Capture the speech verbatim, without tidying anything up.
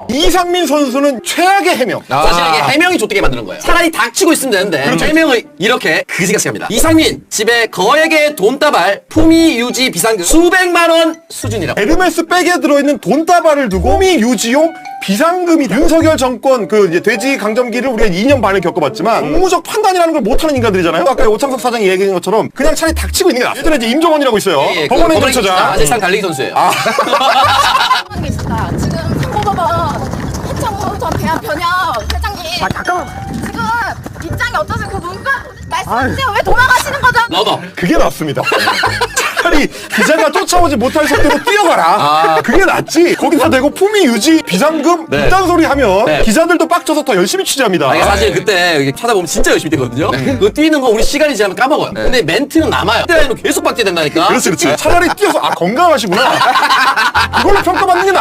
이상민 선수는 최악의 해명. 사실 이게 해명이 좆되게 만드는 거예요. 차라리 닥치고 있으면 되는데 그렇죠. 해명을 이렇게 그지같이 합니다. 이상민 집에 거액의 돈다발 품위 유지 비상금 수백만 원 수준이라고. 에르메스 백에 들어있는 돈다발을 두고 호미 유지용 비상금이 윤석열 정권 그 이제 돼지 강점기를 우리가 이 년 반을 겪어봤지만 업무적 판단이라는 걸 못하는 인간들이잖아요. 아까 오창석 사장이 얘기한 것처럼 그냥 차라리 닥치고 있는 게 낫어요. 예전에 이제 임종원이라고 있어요. 예, 예, 법원 그 행정처장. 아재상 달리기 선수예요. 아. 하는 게 있습니다. 지금 상고법원 해창호 전 대한 변협 회장님. 아 잠깐만. 지금 입장이 어떠세요? 그 문과 말씀해주세요. 왜 돌아가시는 거죠? 너도. 그게 낫습니다. 차라리 기자가 쫓아오지 못할 속도로 뛰어가라. 아. 그게 낫지. 거기다 대고 품위 유지 비상금 네. 이딴 소리 하면 네. 기자들도 빡쳐서 더 열심히 취재합니다. 아니, 사실 그때 이렇게 찾아보면 진짜 열심히 뛰거든요. 그거 뛰는 거 우리 시간이 지나면 까먹어요. 근데 멘트는 남아요. 그때 아니면 계속 박제 된다니까. 그렇지, 그렇지. 차라리 뛰어서 아 건강하시구나. 그걸로 평가받는 게 나.